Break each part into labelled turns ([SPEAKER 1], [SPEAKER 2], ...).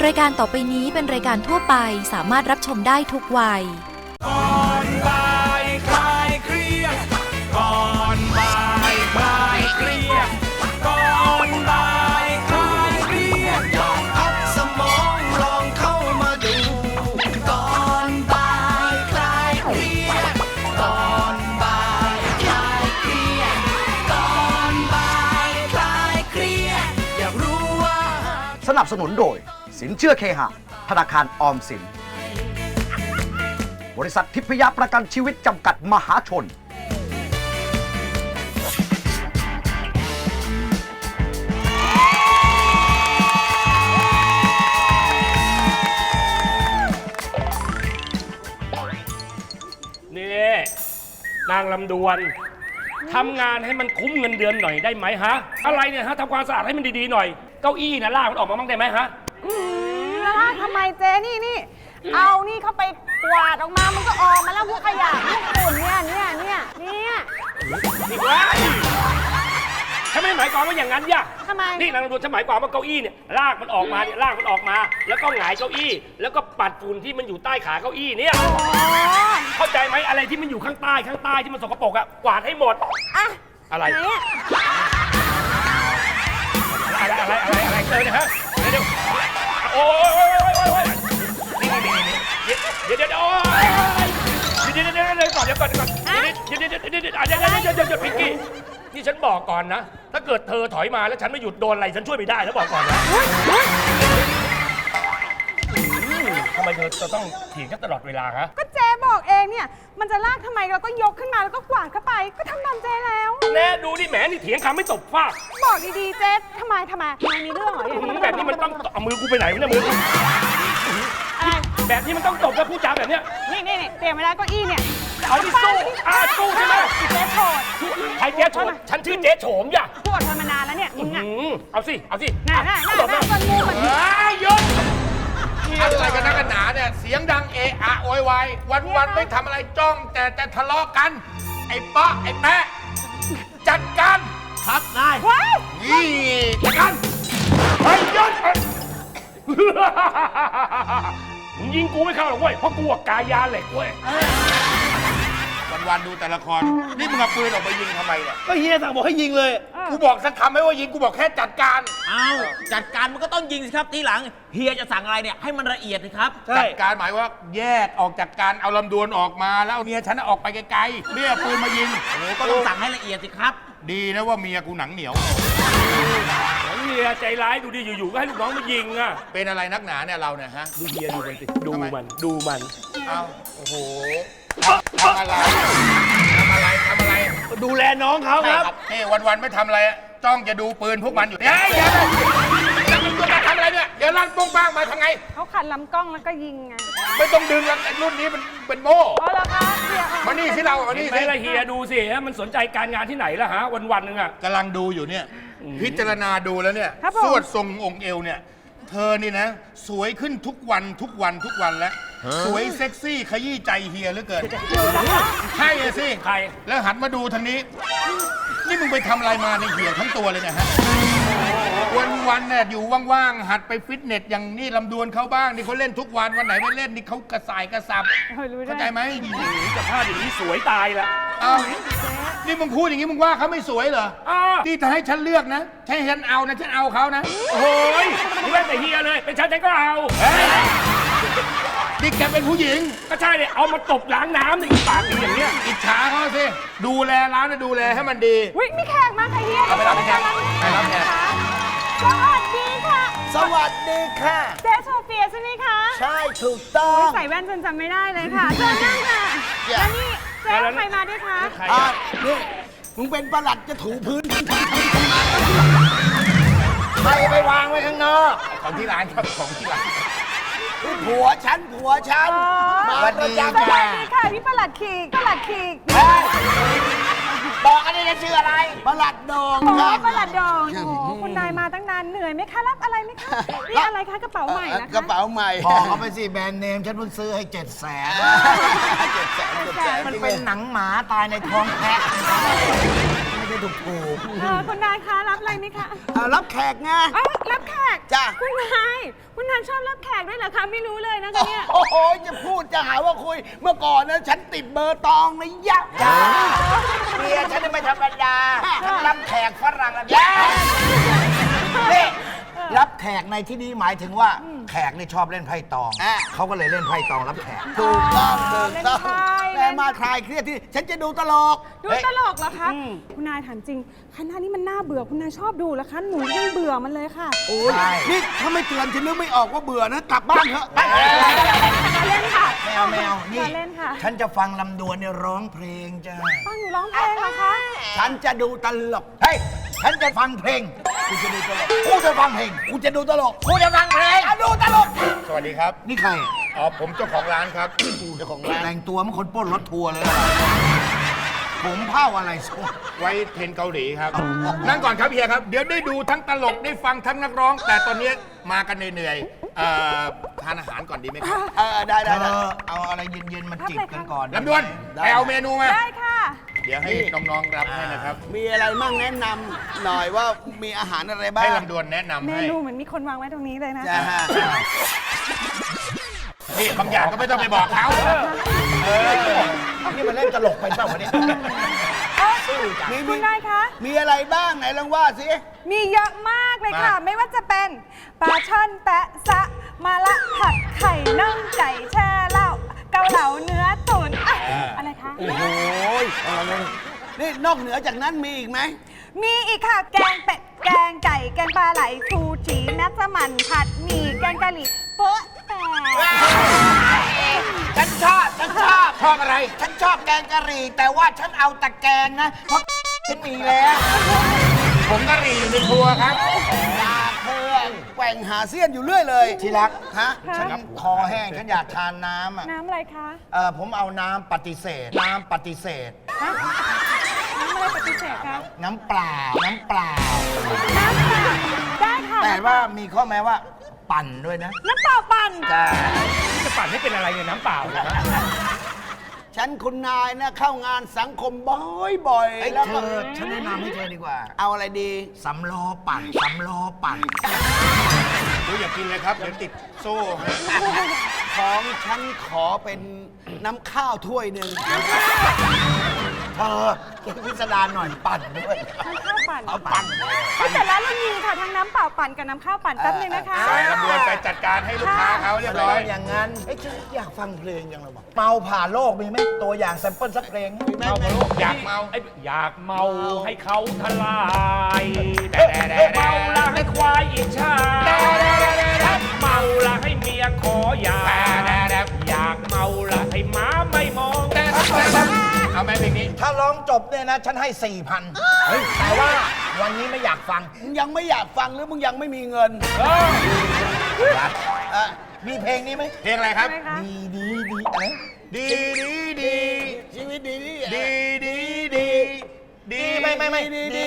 [SPEAKER 1] รายการต่อไปนี้เป็นรายการทั่วไปสามารถรับชมได้ทุกวัย
[SPEAKER 2] ก่อนบ่ายคลายเครียดก่อนบ่ายคลายเครียดก่อนบ่ายคลายเครียดลองพักสมองลองเข้ามาดูก่อนบ่ายคลายเครียดก่อนบ่ายคลายเครียดก่อนบ่ายคลายเครียดอยากรู้ว่า
[SPEAKER 3] สนับสนุนโดยสินเชื่อเคหะธนาคารออมสินบริษัททิพยประกันชีวิตจำกัดมหาชน
[SPEAKER 4] นี่นางลำดวนทำงานให้มันคุ้มเงินเดือนหน่อยได้ไหมฮะอะไรเนี่ยฮะทำความสะอาดให้มันดีๆหน่อยเก้าอี้นะลากมันออกมาบ้างได้ไหมฮะ
[SPEAKER 5] แล้วทำไมเจ๊นี่เอานี่เข้าไปกวาดออกมามันก็ออกมาแล้วพวกขยะพวกฝุ่นเนี่ย
[SPEAKER 4] นี่ว้ายฉันไม่หมายความว่าอย่างนั้นย่ะ
[SPEAKER 5] ทำไม
[SPEAKER 4] นี่นางลำดวนฉันหมายความว่าเก้าอี้เนี่ยลากมันออกมาเนี่ยลากมันออกมาแล้วก็หงายเก้าอี้แล้วก็ปัดฝุ่นที่มันอยู่ใต้ขาเก้าอี้เนี่ยเข้าใจไหมอะไรที่มันอยู่ข้างใต้ที่มันสกปรกอะกวาดให้หมด
[SPEAKER 5] อะ
[SPEAKER 4] อะไรเจอเนี่ยฮะเดี๋ยวโอ้ยนี่เดี๋ยวก่อนพิงกี้นี่ฉันบอกก่อนนะถ้าเกิดเธอถอยมาแล้วฉันไม่หยุดโดนอะไรฉันช่วยไม่ได้แล้วบอกก่อนนะทำไมเธอจะต้องเถียงกันตลอดเวลาฮะ
[SPEAKER 5] ก็เจ๊บอกเองเนี่ยมันจะลากทำไมเราก็ยกขึ้นมาแล้วก็กวาดเข้าไปก็ทำตามเจ๊แล้ว
[SPEAKER 4] แน่ดูนี่แหมนี่เถียงคำไม่ตบฟาด
[SPEAKER 5] บอกดีๆเจ๊ทำไมมีเรื่องเหรอ
[SPEAKER 4] แบบนี้มันต้องเอามือกูไปไหนวะเนี่ยมือแบบนี้มันต้องตบแล้วพูดจาแบบเนี้ย
[SPEAKER 5] นี่เตรียมไว้แล้วก็อี้เนี่ย
[SPEAKER 4] เอาที่สู้ใช่ไหม
[SPEAKER 5] เจ๊โฉด
[SPEAKER 4] ใครเจ๊โฉดฉันชื่อเจ๊โฉมย่ะ
[SPEAKER 5] พูดเธอมานานแล้วเนี่ยมึงอะ
[SPEAKER 4] เอาสิ
[SPEAKER 5] น่าคนงูเหมือน
[SPEAKER 4] หยุด
[SPEAKER 2] อะไรกันนักกันหนาเนี่ยเสียงดังเอะอะโวยวายวันไม่ทำอะไรจ้องแต่จะทะเลาะกันไอ้ป๊ะไอ้แปะจัดการ
[SPEAKER 4] ครับได้
[SPEAKER 2] นี่จัดการ
[SPEAKER 4] เฮ้ยหยุดมึงยิงกูไม่เข้าหรอกเว้ยเพราะกูกายาเหล็กเว้ย
[SPEAKER 2] วันดูแต่ละครนี่มึงเอาปืนออกไปยิงทำไมเนี่ย
[SPEAKER 4] ก็เฮียสั่งบอกให้ยิงเลย
[SPEAKER 2] กูบอกสักคำไหมว่ายิงกูบอกแค่จัดการ
[SPEAKER 6] จัดการมันก็ต้องยิงสิครับทีหลังเฮียจะสั่งอะไรเนี่ยให้มันละเอียดสิครับ
[SPEAKER 2] จัดการหมายว่าแยกออกจากการเอาลำดวนออกมาแล้วเมียฉันออกไปไกลๆเรียกปืนมายิง
[SPEAKER 6] ก็ต้องสั่งให้ละเอียดสิครับ
[SPEAKER 2] ดีนะว่าเมียกูหนังเหนียว
[SPEAKER 4] เมียใจร้ายดูดิอยู่ๆก็ให้ลูกน้องมายิงอ่ะ
[SPEAKER 2] เป็นอะไรนักหนาเนี่ยเราเนี่ยฮะ
[SPEAKER 4] ดูเมียดูมันสิดูมัน
[SPEAKER 2] เอาโอ้โหทำอะไร
[SPEAKER 4] ดูแลน้องเขาครับ
[SPEAKER 2] นี่วันไม่ทำอะไรจ้องจะดูปืนพวกมันอยู่เนี่ยอย่าทำอะไรเนี่ยเดี๋ยวลั่นป้งป้างมาทำไง
[SPEAKER 5] เขาขัดลำกล้องแล้วก็ยิงไง
[SPEAKER 2] ไม่ต้องดึงแล้วรุ่นนี้มันเป็นโม่
[SPEAKER 5] อ๋อเหรอคะ
[SPEAKER 2] มานี่สิเรามานี่สิ
[SPEAKER 4] ไม่ละเฮียดูสิฮะมันสนใจการงานที่ไหนล่ะฮะวันนึงอ่ะ
[SPEAKER 2] กำลังดูอยู่เนี่ยพิจารณาดูแล้วเนี่ยสวดทรงองค์เอวเนี่ยเธอนี่นะสวยขึ้นทุกวันแล้วสวยเซ็กซี่ขยี้ใจเฮียเหลือเกินใช่สิ
[SPEAKER 4] ใคร
[SPEAKER 2] แล้วหันมาดูทางนี้นี่มึงไปทำอะไรมาในเหี่ยวทั้งตัวเลยเนี่ยฮะวันเนี่ยอยู่ว่างๆหัดไปฟิตเนสอย่างนี้ลำดวนเขาบ้างนี่เขาเล่นทุกวันไหนไม่เล่นนี่เขากระสายกระสับเข้าใจไหม
[SPEAKER 4] จะพลาดอย่างนี้สวยตายละ
[SPEAKER 2] นี่มึงพูดอย่างนี้มึงว่าเขาไม่สวยเหรอที่จะให้ฉันเลือกนะให้ฉันเอานะฉันเอาเขานะ
[SPEAKER 4] โอ้ยนี่แม่แต่เฮียเลยเป็นฉันก็เอา
[SPEAKER 2] นี่แกเป็นผู้หญิง
[SPEAKER 4] ก็ใช่เลยเอามาตบล้างน้ำในปากอย่างเงี้ย
[SPEAKER 2] อิจฉาเขาสิดูแลร้านนะดูแลให้มันดี
[SPEAKER 5] วิ่งมีแขกมาค่ะเฮีย
[SPEAKER 2] เอาไปรับแขกไปรับแขก
[SPEAKER 5] สวัสดีค่ะ
[SPEAKER 3] สวัสดีค่ะ
[SPEAKER 5] เจ๊โซเฟียใช่ไหมคะ
[SPEAKER 3] ใช่ถูกต้อง
[SPEAKER 5] ใส่แว่นจนจำไม่ได้เลยค่ะเชิญนั่งค่ะแล้วนี่เจ๊ใครมาด้วยคะ
[SPEAKER 3] นี่มึงเป็นประหลัดจะถูพื้นใครไปวางไว้ข้างนอก
[SPEAKER 2] ของที่ร้านครับของที่ร้าน
[SPEAKER 3] ผัวฉัน
[SPEAKER 5] มาประจำสวัสดีค่ะพี่ประหลัดขีก
[SPEAKER 3] บอกอันนี้จะชื่ออะไรประหลัดโดงครับ
[SPEAKER 5] ประหลัดโดงโอ้คุณนายมาตั้งนานเหนื่อยไหมคะรับอะไรไหมคะนี่อะไรคะกระเป๋าใหม่นะคะ
[SPEAKER 3] กระเป๋าใหม่บอกเขาไปสิแบรนด์เนมฉันเพิ่งซื้อให้700,000มันเป็นหนังหมาตายในท้องแพะ
[SPEAKER 7] ไม่ถูก
[SPEAKER 5] คุณนายคะรับอะไรไหมคะ
[SPEAKER 7] รับแขกไง
[SPEAKER 5] เอ้ารับแขก
[SPEAKER 7] จ้ะ
[SPEAKER 5] คุณนายชอบรับแขกด้วยเหรอคะไม่รู้เลยนะคะเนี่ย
[SPEAKER 7] โอ้โหจะพูดจะหาว่าคุยเมื่อก่อนนะฉันติดเบอร์ตองนะยักษ์จ้าเมียฉันนี่ไม่ธรรมดาทั้งรับแขกฝรั่งและยักษ์นี่รับแขกในที่นี้หมายถึงว่าแขกนี่ชอบเล่นไพ่ตองเขาก็เลยเล่นไพ่ตองรับแขกถูกต้องถูกต้องแม่มาคลายเครียดที่ฉันจะดูตลก
[SPEAKER 5] ดูตลกเหรอคะ คุณนายถามจริงคณะนี้มันน่าเบื่อคุณนายชอบดูเหรอคะหนูยังเบื่อมันเลยค่ะ
[SPEAKER 7] โอ้ยนี่ถ้าไม่เตือนฉันนึกไม่ออกว่าเบื่อนะกลับบ้านเถอะ
[SPEAKER 5] เล่นค่ะ
[SPEAKER 7] แมวนี่
[SPEAKER 5] เล่นค่ะ
[SPEAKER 7] ฉันจะฟังลำดวนเนี่ยร้องเพลงจ้า
[SPEAKER 5] ฟังหนูร้องเพลงเหรอคะ
[SPEAKER 7] ฉันจะดูตลกเฮ้ยฉันจะฟังเพลงกูจะดูตลกกูจะฟังเพลงกูจะดูตลกกูจะฟังเพลงดูตลก
[SPEAKER 8] สวัสดีครับ
[SPEAKER 7] นี่ใคร
[SPEAKER 8] อ๋อ ผมเจ้าของร้านครับ
[SPEAKER 7] เจ้าของร้านแต่งตัวเหมันคนปล้นรถทัวร์เลยผมเผ้าอะไรส้ม
[SPEAKER 8] ไว้เทรนเกาหลีครับ นั่งก่อนครับเฮียครับ เดี๋ยวได้ดูทั้งตลกได้ฟังทั้งนักร้อง แต่ตอนนี้มากันเหนื่อยๆทานอาหารก่อนดีไหมครับ
[SPEAKER 7] ได้เอาอะไรเย็นๆมาจิบกันก่อน
[SPEAKER 8] ลำดวนไปเอาเมนูมา
[SPEAKER 5] ได้ค่ะ
[SPEAKER 8] เดี๋ยวให้น้องๆรับให้นะครับ
[SPEAKER 7] มีอะไรมั่งแนะนำหน่อยว่ามีอาหารอะไรบ้าง
[SPEAKER 8] ให้ลำดวนแนะนำ
[SPEAKER 5] เม
[SPEAKER 8] ให้
[SPEAKER 5] นูเหมือนมีคนวางไว้ตรงนี้เลยนะ
[SPEAKER 7] จ้าฮะ
[SPEAKER 8] นี่บางอย่างก็ไม่ต้องไปบอกเขา
[SPEAKER 7] นี่มันเล่นตลกไปเปล่าวะเนี่ย
[SPEAKER 5] คุณนายคะ
[SPEAKER 7] มีอะไรบ้างไหนลองว่าสิ
[SPEAKER 5] มีเยอะมากเลยค่ะ ไม่ว่าจะเป็นปลาช่อนแปะซะมาละผัดไข่นึ่งไก่แช่เหล้าเกาเหลาเนื้อตุ๋นอะอะไรคะ
[SPEAKER 7] โอ้โหนี่นอกเหนือจากนั้นมีอีกไหม
[SPEAKER 5] มีอีกค่ะ แกงเป็ด แกงไก่ แกงปลาไหลชูชีนัสมันผัดหมี่แกงกะหรี่โป๊ะแต่
[SPEAKER 7] ฉันชอบ
[SPEAKER 8] ชอบอะไร
[SPEAKER 7] ฉันชอบแกงกะหรี่ แต่ว่าฉันเอาแต่แกงนะ เพราะฉันมีแล้ว
[SPEAKER 8] ผมกะหรี่อยู่ในครัวครับ
[SPEAKER 7] อยากเพื่อนแกว่งหาเสี้ยนอยู่เรื่อยเลย ที่รัก ฮะ ฉันคอแห้ง ฉันอยากทานน้ำอ่ะ
[SPEAKER 5] น้ำอะไรคะ
[SPEAKER 7] ผมเอาน้ำปฏิเสธ น้ำปฏิเสธ
[SPEAKER 5] ฮะน้ำอะไรปฏิเสธคะ
[SPEAKER 7] น้ำเปล่า น้ำเปล่า
[SPEAKER 5] น้ำเปล่าได้ค่ะ
[SPEAKER 7] แต่ว่ามีข้อแม้ว่า ปั่นด้วยนะ
[SPEAKER 5] น้ำเปล่าปั่น
[SPEAKER 7] จ้า
[SPEAKER 4] จะปั่นให้เป็นอะไรเนี่ยน้ำเปล่าเนี่ย
[SPEAKER 7] ฉันคุณนายนะเข้างานสังคมบ่อยๆแล้วเธอฉันแนะนำให้เธอดีกว่า เอาอะไรดีสำล้อปั่นสำล้อปั่น
[SPEAKER 8] ดูอย่ากินเลยครับ เดี๋ยวติดโซ่ฮะ
[SPEAKER 7] ของฉันขอเป็นน้ำข้าวถ้วยหนึ่งเธอพิสดารหน่อยปั่นด้วย
[SPEAKER 5] น้ำข้าวปั่น
[SPEAKER 7] เอาปั่น
[SPEAKER 5] แต่ร้านเรามีค่ะทั้งน้ำเปล่าปั่นกับน้ำข้าวปั่นแป๊บนึงนะคะ
[SPEAKER 8] ไปลำดวนไปจัดการให้ลูกค้าเขาเรียบร้อย
[SPEAKER 7] อย่างนั้นฉันอยากฟังเพลงยังเลยว่ะเมาผ่านโลกมีไหมตัวอย่างแซมเปิลสักเพลงมีไหม
[SPEAKER 8] อยากเมา
[SPEAKER 4] อยากเมาให้เขาทลายเมาละให้ควายอิจฉาเมาละให้เมียขอหย่าอยากเมาละให้หมาไม่มอง
[SPEAKER 8] เอาไหมเพลงนี้
[SPEAKER 7] ถ้าร้องจบเนี่ยนะ ฉันให้ 4,000แต่ว่าวันนี้ไม่อยากฟังมึงยังไม่อยากฟังหรือมึงยังไม่มีเงินมีเพลงนี้ไหม
[SPEAKER 8] เพลงอะไรครับ
[SPEAKER 7] ดีอะไร
[SPEAKER 8] ดีดีดี
[SPEAKER 7] ชีวิตดีดี
[SPEAKER 8] ดีดีดีดี
[SPEAKER 7] ไม่ดีดี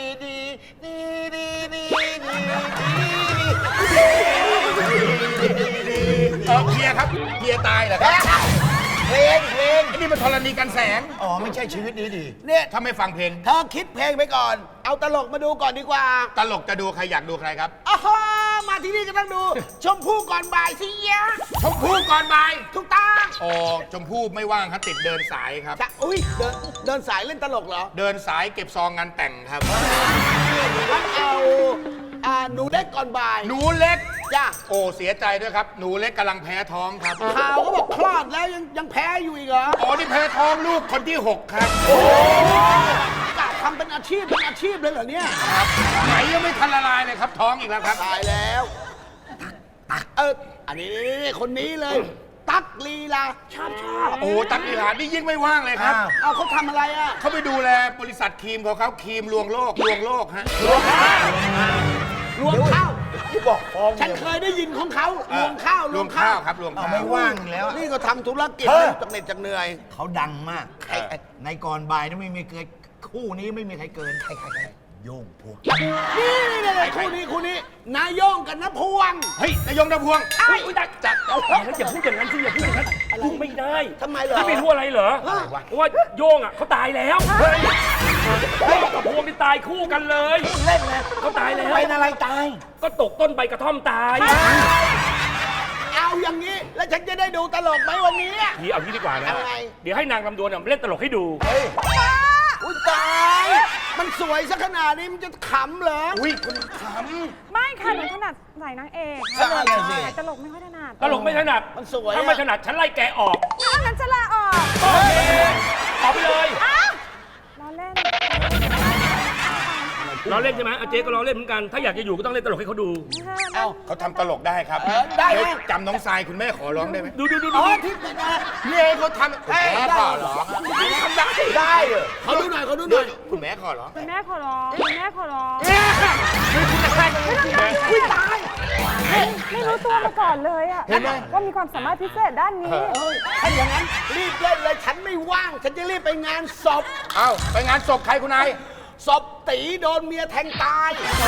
[SPEAKER 8] เฮียครับเฮียตายเหรอครับ
[SPEAKER 7] เพลง
[SPEAKER 8] ไอ้นี่มันธรณีกันแสง
[SPEAKER 7] อ๋อไม่ใช่ชีวิตดีเนี่ย
[SPEAKER 8] ถ้าไม่ฟังเพลง
[SPEAKER 7] เธอคิดเพลงไปก่อน เอาตลกมาดูก่อนดีกว่า
[SPEAKER 8] ตลกจะดูใครอยากดูใครครับ
[SPEAKER 7] อ้ามาที่นี่ก็ต้องดู ชมพู่ก่อนบ่ายสิยะ
[SPEAKER 8] ชมพู่ก่อนบ่าย
[SPEAKER 7] ทุกตา
[SPEAKER 8] โอ้ชมพู่ไม่ว่างครับติดเดินสายครับ
[SPEAKER 7] จะอุ้ยเดินสายเล่นตลกเหรอ
[SPEAKER 8] เดินสายเก็บซองงานแต่งครับ
[SPEAKER 7] งั้นเอาหนูเล็กก่อนบ่าย
[SPEAKER 8] หนูเล็ก
[SPEAKER 7] จ้า
[SPEAKER 8] โอ้เสียใจด้วยครับ หนูเล็กกำลังแพ้ท้องครับ
[SPEAKER 7] ข่าวเขาบอกคลอดแล้วยังแพ้อยู่อีกเหรอ
[SPEAKER 8] อ๋อนี่แพ้ท้องลูกคนที่ 6 ครับ
[SPEAKER 7] กะทำเป็นอาชีพเลยเหรอเนี่ย
[SPEAKER 8] ไหนยังไม่ทันละลายเลยครับท้องอีกแล้วครับ
[SPEAKER 7] ตายแล้วอันนี้คนนี้เลย ตั๊กลีลาชอบ
[SPEAKER 8] โอ้ตั๊กอีหลานนี่ยิ่งไม่ว่างเลยครับ
[SPEAKER 7] เอาเขาทำอะไรอ่ะ
[SPEAKER 8] เขาไปดูแลบริษัทครีมของเขาครีมลวงโลกฮะ
[SPEAKER 7] รวงข้าวที่บอกฟองฉันเคยได้ยินของเขารวงข้าว
[SPEAKER 8] ลวงข้าวครับลวงข้าว
[SPEAKER 7] ไม่ว่างแล้วนี่ก็ทำธุรกิจจากเหน็ดจากเหนื่อยเขาดังมากในก่อนบ่ายนี่ไม่มีเกินคู่นี้ไม่มีใครเกินใครโย่งพวงนี่คู่นี้นายโย่งกับน้าพวง
[SPEAKER 8] เฮ้ยนายงดาวพวง
[SPEAKER 4] อุ้ยจัดแล้วอย่าพูดอย่างนั้นสิอย่าพูดอย่างนั้นพูดไม่ได้
[SPEAKER 7] ทำไมเหรอ
[SPEAKER 4] ไม่รู้อะไรเหรอเพราะว่าโย่งอ่ะเขาตายแล้ว
[SPEAKER 7] เฮ้ย
[SPEAKER 4] กับพวงที่ตายคู่กันเลย
[SPEAKER 7] เล่นนะ
[SPEAKER 4] เขาตายแล้ว
[SPEAKER 7] เป็นอะไรตาย
[SPEAKER 4] ก็ตกต้นใบกระท่อมตาย
[SPEAKER 7] เอาอย่างนี้ แล้วฉันจะได้ดูตลกไหมวันนี้
[SPEAKER 4] ทีเอางี้ดีกว่านะ
[SPEAKER 7] เอาไง
[SPEAKER 4] เดี๋ยวให้นางลำดวนเล่นตลกให้ดู
[SPEAKER 7] อุ้ยตาย มันสวยซะขนาดนี้มันจะขำเหรอ
[SPEAKER 8] อุ้ยคุณข
[SPEAKER 5] ไม่ค่ะหนูถนัดใส่นางเอก
[SPEAKER 7] ใช่สิ
[SPEAKER 5] แต่ตลกไม่ค่อยถนัด
[SPEAKER 4] ตลกไม่ถนัด
[SPEAKER 7] มันสวยอะ
[SPEAKER 4] ถ้าไม่ถนัดฉันไล่แกออก
[SPEAKER 5] ถ้างั้นจะลาออก
[SPEAKER 4] โอเคออกไปเลย
[SPEAKER 5] ล้อเล่น
[SPEAKER 4] เราเล่นใช่ไหมเจ๊ก็เราเล่นเหมือนกัน ถ้าอยากจะอยู่ก็ต้องเล่นตลกให้เขาดู
[SPEAKER 7] เอ้า
[SPEAKER 8] ำเขาทำตลกได้ครับ
[SPEAKER 7] ได้ไหม
[SPEAKER 8] เยวจำน้องทรายคุณแม่ขอร้องได้ไหม
[SPEAKER 4] ดู
[SPEAKER 7] อ๋อที่เป็นอะไร
[SPEAKER 8] พี่เอเขาทำคุณแม่ขอร้อง
[SPEAKER 7] ทำได้ได้เหรอเขาดูหน่อยเขาดูหน่อย
[SPEAKER 8] คุณแม่ขอร้อง
[SPEAKER 5] คุณแม่ขอร้องคุณแม่ขอร้อง
[SPEAKER 7] อุ้ยตาย
[SPEAKER 5] ไม่รู้ตัวมาก่อนเลยอะ
[SPEAKER 7] เห็นไหม
[SPEAKER 5] ว่ามีความสามารถพิเศษด้านนี้
[SPEAKER 7] ถ้าอย่างนั้นรีบเล่นเลยฉันไม่ว่าง ฉันจะรีบไปงานศพ
[SPEAKER 8] เอ้าไปงานศพใครคุณนาย
[SPEAKER 7] ศพตีโดนเมียแทงตาย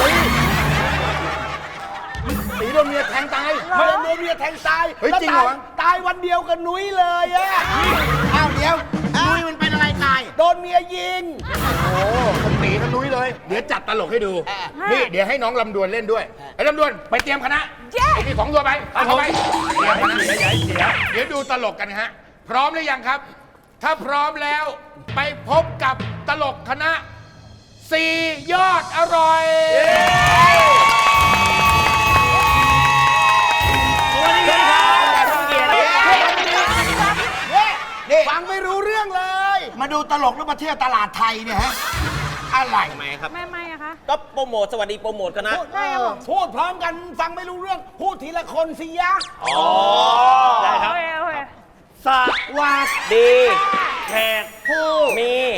[SPEAKER 8] ตีโดนเมียแทงตาย
[SPEAKER 7] โดนเมียแทงตาย
[SPEAKER 8] เฮ้ย
[SPEAKER 7] แล้ว
[SPEAKER 8] จริงเหรอ
[SPEAKER 7] ตายวันเดียวกับนุ้ยเลยอะอ้าวเดี๋ยวนุ้ยมันเป็นอะไรตาย โดนเมียยิง
[SPEAKER 8] โอ้ผมตีทั้งนุ้ยเลย เดี๋ยวจัดตลกให้ดู นี่เดี๋ยวให้น้องลำดวนเล่นด้วย ไอ้ลำดวนไปเตรียมคณะไอ้ที่ของตัวไปเอาเข้าไปเตรียมคณะเดี๋ยวดูตลกกันฮะ พร้อมหรือยังครับ ถ้าพร้อมแล้วไปพบกับตลกคณะ4 ยอดอร่อย
[SPEAKER 7] ฟังไม่รู้เรื่องเลย มาดูตลกแล้วมาเที่ยวตลาดไทยเนี่ยฮะ อะไร
[SPEAKER 6] ทำไมครับ
[SPEAKER 5] ไม่อะคะ
[SPEAKER 6] ก็โปรโมทสวัสดีโปรโมทกันนะ
[SPEAKER 5] ได้ครับผม
[SPEAKER 7] พูดพร้อมกันฟังไม่รู้เรื่อง พูดทีละคนสิยะ
[SPEAKER 6] ได้ครับ
[SPEAKER 5] โอเคโอเค
[SPEAKER 6] สวัสดีแขกผู้มี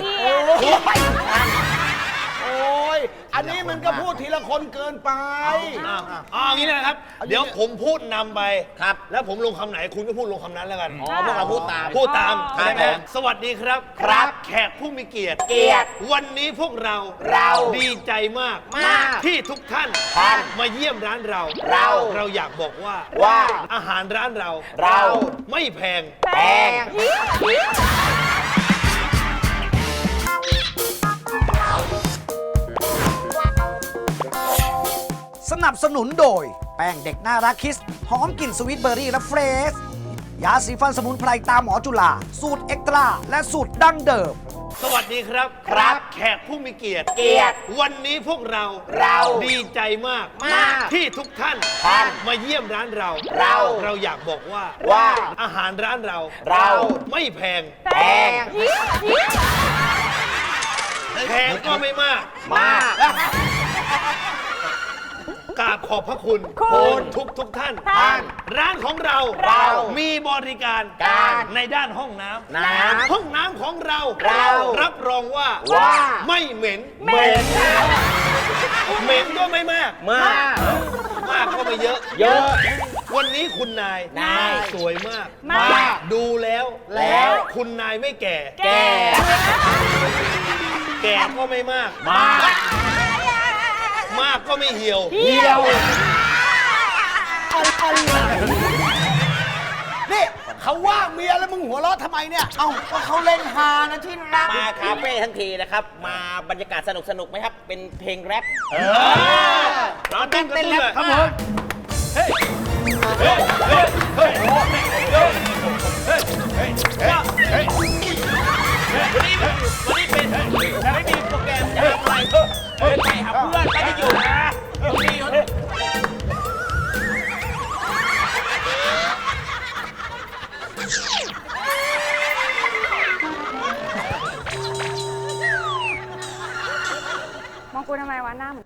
[SPEAKER 7] โอ้ย อันนี้มันก็พูดทีละคนเกินไป
[SPEAKER 9] อย่างนี้นะครับ เดี๋ยวผมพูดนำไปครับ แล้วผมลงคำไหนคุณก็พูดลงคำนั้นแล้วกัน
[SPEAKER 6] อ๋อพวกเราพูดตาม
[SPEAKER 9] พูดตาม
[SPEAKER 6] ครับ
[SPEAKER 9] ได้ไหม
[SPEAKER 6] ผม
[SPEAKER 9] สวัสดีครับ
[SPEAKER 6] ครับ
[SPEAKER 9] แขกผู้มีเกียรติ
[SPEAKER 6] เกียรติ
[SPEAKER 9] วันนี้พวกเรา ดีใจมาก
[SPEAKER 6] มาก
[SPEAKER 9] ที่ทุกท่าน
[SPEAKER 6] ท่าน
[SPEAKER 9] มาเยี่ยมร้านเรา
[SPEAKER 6] เรา
[SPEAKER 9] อยากบอกว่า
[SPEAKER 6] ว่า
[SPEAKER 9] อาหารร้านเรา
[SPEAKER 6] เรา
[SPEAKER 9] ไม่แพง
[SPEAKER 6] แพง
[SPEAKER 3] สนับสนุนโดย แป้งเด็กน่ารักคิส หอมกลิ่นสวีทเบอร์รี่และเฟรชยาสีฟันสมุนไพรตามหมอจุฬาสูตรเอ็กตร้าและสูตรดั้งเดิม
[SPEAKER 9] สวัสดีครับ
[SPEAKER 6] ครับ
[SPEAKER 9] แขกผู้มีเกียรติ
[SPEAKER 6] เกียรติ
[SPEAKER 9] วันนี้พวกเรา ดีใจมาก
[SPEAKER 6] มาก
[SPEAKER 9] ที่ทุกท่าน
[SPEAKER 6] ท่าน
[SPEAKER 9] มาเยี่ยมร้านเรา
[SPEAKER 6] เรา
[SPEAKER 9] อยากบอกว่า
[SPEAKER 6] ว่า
[SPEAKER 9] อาหารร้านเรา
[SPEAKER 6] เรา
[SPEAKER 9] ไม่แพง
[SPEAKER 6] แพง
[SPEAKER 9] แพงก็ไม่มาก
[SPEAKER 6] มาก
[SPEAKER 9] กราบขอบพระคุณ
[SPEAKER 5] คุณ
[SPEAKER 9] ทุกท่าน
[SPEAKER 6] ท่าน
[SPEAKER 9] ร้านของเรา มีบริการ
[SPEAKER 6] การ
[SPEAKER 9] ในด้านห้องน้ำ
[SPEAKER 6] น้ำ
[SPEAKER 9] ห้องน้ำของเรา รับรองว่า
[SPEAKER 6] ว่า
[SPEAKER 9] ไม่เหม็น
[SPEAKER 6] เหม็น
[SPEAKER 9] เหม็นก็ไม่มาก
[SPEAKER 6] มาก
[SPEAKER 9] มากก็ไม่เยอะ
[SPEAKER 6] เยอะ
[SPEAKER 9] วันนี้คุณนาย
[SPEAKER 6] นาย
[SPEAKER 9] สวยมาก
[SPEAKER 5] มาก
[SPEAKER 9] ดูแล้ว
[SPEAKER 6] แล้ว
[SPEAKER 9] คุณนายไม่แก่
[SPEAKER 6] แก่
[SPEAKER 9] แก่ก็ไม่มาก
[SPEAKER 6] มาก
[SPEAKER 9] มากก็ไม่เหี่ยว
[SPEAKER 6] เดียว
[SPEAKER 7] นี่เขาว่าเมียแล้วมึงหัวเราะทำไมเนี่ย เอ้าก็เขาเล่นฮานะที่รัก
[SPEAKER 6] มาคาเฟ่ทั้งทีนะครับ มาบรรยากาศสนุกๆไหมครับ เป็นเพลงแรป
[SPEAKER 9] ร้านเต้นเลยครับผม
[SPEAKER 6] วันนี้เป็นไม่มีโปรแกรมจะทำอะไรไปหาเพื่อนไปที่อยู่นะตรงนี้
[SPEAKER 5] มองกูทำไมวะหน้าเหมือน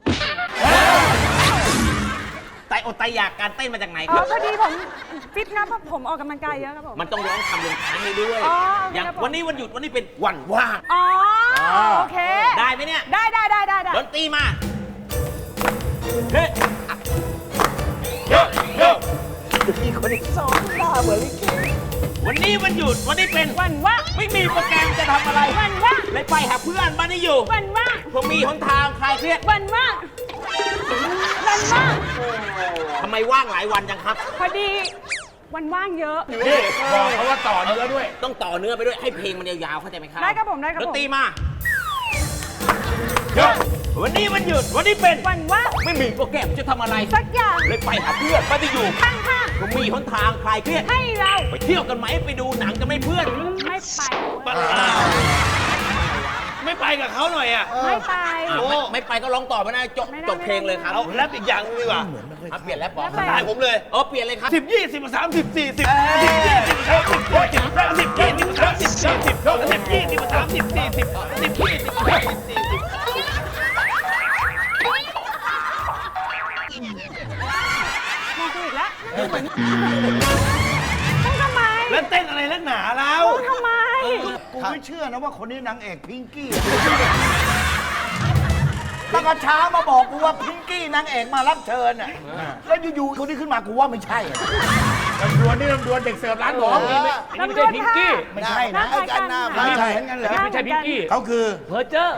[SPEAKER 6] ไตอดไตอยากการเต้นมาจากไหน
[SPEAKER 5] อ๋
[SPEAKER 6] ค
[SPEAKER 5] อ
[SPEAKER 6] รับ
[SPEAKER 5] พอดีผมฟิตนะเพราะผมออกกำลังกายเยอะครับผม
[SPEAKER 6] มันต้องร้องคำลงท้ายให้ด้วย
[SPEAKER 5] อ๋อ
[SPEAKER 6] อย่าง
[SPEAKER 5] ครับผม
[SPEAKER 6] วันนี้วันหยุดวันนี้เป็นวันว่าง
[SPEAKER 5] อ๋อโอเค
[SPEAKER 6] ได้ไหมเนี่ย
[SPEAKER 5] ได้
[SPEAKER 6] ดนตรีมา วันนี้วันหยุดวันนี้เป็น
[SPEAKER 5] วันว่าง
[SPEAKER 6] ไม่มีโปรแกรมจะทำอะไร
[SPEAKER 5] วันว่าง
[SPEAKER 6] เลยไปหาเพื่อนบ้านที่อยู่
[SPEAKER 5] วันว่าง
[SPEAKER 6] ผมมีหนทางคลายเครียด
[SPEAKER 5] วันว่างวันว่าง
[SPEAKER 6] ทำไมว่างหลายวันจังครับ
[SPEAKER 5] พอดีวันว่างเยอะ
[SPEAKER 8] นี่บอกเขาว่าต่อเนื้อด้วย
[SPEAKER 6] ต้องต่อเนื้อไปด้วยให้เพลงมันยาวๆเข้าใจไหมครับ
[SPEAKER 5] ได้ครับผมได้ครับ
[SPEAKER 6] ด
[SPEAKER 5] ผม
[SPEAKER 6] นตรีมาวันนี้มันหยุด วันนี้เป็น
[SPEAKER 5] วันว่าง
[SPEAKER 6] ไม่มีโปรแกรมจะทำอะไร
[SPEAKER 5] สักอย่าง
[SPEAKER 6] เลยไปหาเพื่อนไปที่อยู่
[SPEAKER 5] ข้าง
[SPEAKER 6] ก็มีหนทางคลายเครียด
[SPEAKER 5] ๆให้เรา
[SPEAKER 6] ไปเที่ยวกันไหมไปดูหนังกันไหมเพื่อน
[SPEAKER 5] ไม่ไป
[SPEAKER 9] ไม่ไปกับเขาหน่อยอ่ะ
[SPEAKER 5] ไม่ไป
[SPEAKER 6] ไม่ไปก็ร้องต่อไม่ได้จบ
[SPEAKER 5] ไม่ได้
[SPEAKER 6] จบเพลงเลยครับ
[SPEAKER 9] เอาแรปอีกอย่างนึงดีกว่า
[SPEAKER 6] เปลี่ยนแล้วปอ
[SPEAKER 5] แล้วไป
[SPEAKER 9] ตายผมเลย
[SPEAKER 6] เปลี่ยนเลยครับ
[SPEAKER 9] 10 20 30 40 10
[SPEAKER 5] มองกูอีกแล้วต้องทำไม
[SPEAKER 9] แล้วเต้นอะไรนักหนาแล้ว
[SPEAKER 5] ต้องทำไม
[SPEAKER 7] กูไม่เชื่อนะว่าคนนี้นางเอกพิงกี้ตั้งแต่เช้ามาบอกกูว่าพิงกี้นางเอกมารับเชิญอ่ะแล้วอยู่ๆคนนี้ขึ้นมากูว่าไม่ใช่อะ
[SPEAKER 8] ลำดวนนี่ลำดวนเด็กเสิร์ฟร้านผม
[SPEAKER 4] อันนี้ไม่ใช่พิงกี้
[SPEAKER 7] ไม่ใช่นะไอ้กันหน้า
[SPEAKER 5] หน้า
[SPEAKER 7] ไม่
[SPEAKER 5] คล้าย
[SPEAKER 7] ใช่
[SPEAKER 5] กัน
[SPEAKER 7] งั้นเหรอ
[SPEAKER 4] ไม่ใช่พิงกี้
[SPEAKER 7] เขาคือ
[SPEAKER 4] เพอร์เจอร์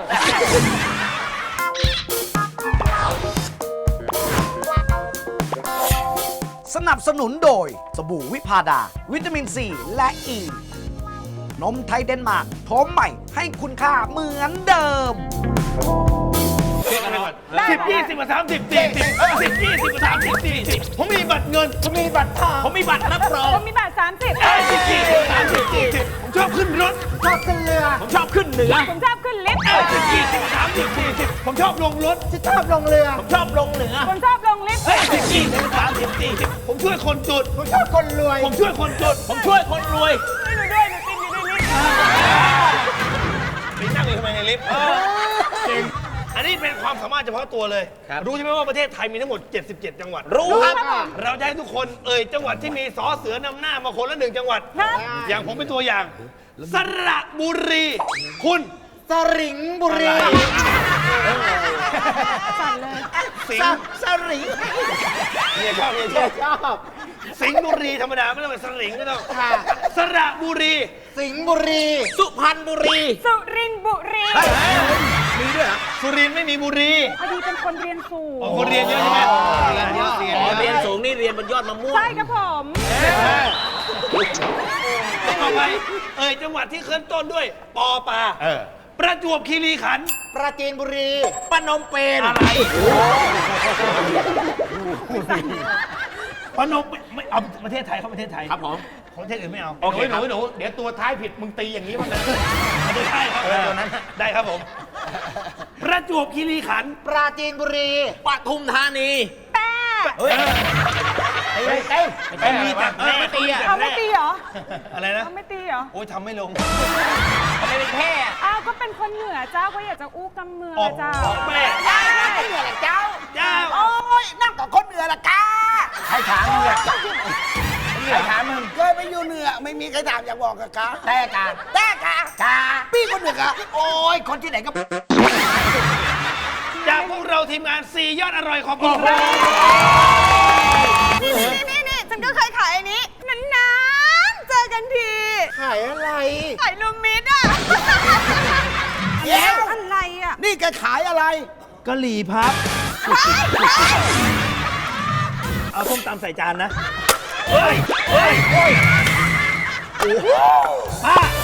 [SPEAKER 3] สนับสนุนโดยสบู่วิพาดา วิตามินซีและอ e. ีนมไทยเดนมาร์กพร้อมใหม่ให้คุณค่าเหมือนเดิม
[SPEAKER 9] 10 20 30 40 10 20 30 40ผมมีบัตรเงิน ผมมีบัตรทอง
[SPEAKER 6] ผมมีบัตรรับรอง
[SPEAKER 5] ผมมีบัตร30
[SPEAKER 9] 10 20 30 40ผมชอบขึ้นรถ
[SPEAKER 6] ผมชอบขึ้นเหนือ
[SPEAKER 5] ผมชอบขึ้นลิฟต์
[SPEAKER 9] 10 20 30 40ผมชอบลงรถ
[SPEAKER 6] ผมชอบลงเหนือ
[SPEAKER 5] ผมชอบลงลิฟต์
[SPEAKER 9] 10 20 30 40ผมช่วยคนจน ผมชอบคนรวย ผมช่วยคนจน
[SPEAKER 6] ผมช่วยคนรวย
[SPEAKER 5] หนูด้วยหนูติดอยู่ในลิฟต์
[SPEAKER 9] ไปนั่งอยู่ทำไมในลิฟต์จริงอันนี้เป็นความสามารถเฉพาะตัวเลย รู้ใช่ไหมว่าประเทศไทยมีทั้งหมด 77 จังหวัด
[SPEAKER 6] รู้ครับ
[SPEAKER 9] เราจะให้ทุกคนจังหวัดที่มีสอเสือนำหน้ามาคนละ1จังหวัด
[SPEAKER 5] ครับ
[SPEAKER 9] อย่างผมเป็นตัวอย่าง สระบุรี คุณ
[SPEAKER 7] สริงบุรี
[SPEAKER 5] สั่นเลย
[SPEAKER 9] สิงห์
[SPEAKER 7] สริง
[SPEAKER 9] เนี่ยชอบเนี่ยชอบสิงห์บุรีธรรมดาไม่ต้องเป็นสลิงก็ต้องสระบุรี
[SPEAKER 7] สิงห์บุรี
[SPEAKER 6] สุพรรณบุรี
[SPEAKER 5] สุรินทร์บุรี
[SPEAKER 9] สุรินทร์ไม่มีบุรี
[SPEAKER 5] พอดีเป็นคนเรียนสูง
[SPEAKER 9] อ๋อคนเรียนเยอะใช่ไหม
[SPEAKER 6] เรียนสูงนี่เรียนบนยอดมะม่วง
[SPEAKER 5] ใช่ครับผม
[SPEAKER 9] ต่อไปจังหวัดที่ขึ้นต้นด้วยปอปลาประจวบคีรีขันธ์
[SPEAKER 7] ปราจีนบุรี
[SPEAKER 6] ปนมเปญ
[SPEAKER 9] อะไรพนมไม่เอาประเทศไทยเข้าประเทศไทย
[SPEAKER 6] ครับผม
[SPEAKER 9] ของประเทศอื่นไม่เอา
[SPEAKER 8] โอเคหนูเดี๋ยวตัวท้ายผิดมึงตีอย่างนี้บ้างนะ
[SPEAKER 9] ได้ครับตัวนั้นได้ครับผม ประจวบคีรีขันธ์
[SPEAKER 7] ปราจีนบุรี
[SPEAKER 6] ปทุมธานี
[SPEAKER 5] แป้
[SPEAKER 9] มีแต่
[SPEAKER 6] ไม่ตีอ่ะ
[SPEAKER 5] เขาไม่ตีเหรอ
[SPEAKER 9] อะไรนะ
[SPEAKER 5] เขาไม่ตีเหรอ
[SPEAKER 9] โอ้ยทำไม่ลง
[SPEAKER 6] ทำไมเป็นแพร่
[SPEAKER 5] อ้าวก็เป็นคนเหนือเจ้าก็อยากจะอู้กำเมือง
[SPEAKER 9] ออก
[SPEAKER 5] เจ้า
[SPEAKER 9] ออกแม่
[SPEAKER 5] ใช่ใช่
[SPEAKER 7] เหนือละเจ้า
[SPEAKER 9] เจ้า
[SPEAKER 7] โอ้ยนั่งกับคนเหนือละกาใครถามมึงอะใครถามมึงเคยไปอยู่เหนือไม่มีใครถามอยากบอกกับกาแต่กาพี่คนเหนือกาโอ้ยคนที่ไหนก็
[SPEAKER 9] จากพวกเราทีมงาน4ยอดอร่อยขอบคุณครับ
[SPEAKER 5] นี่ฉันก็เคยขายอันนี้นานๆเจอกันที
[SPEAKER 7] ขายอะไร
[SPEAKER 5] ขายลูกมิดอ่ะ
[SPEAKER 7] เดี๋ยว
[SPEAKER 5] อะไรอ่ะ
[SPEAKER 7] นี่แกขายอะไร
[SPEAKER 9] กะหรี่พับ เอาส้มตำใส่จานนะ เฮ้ย ป้า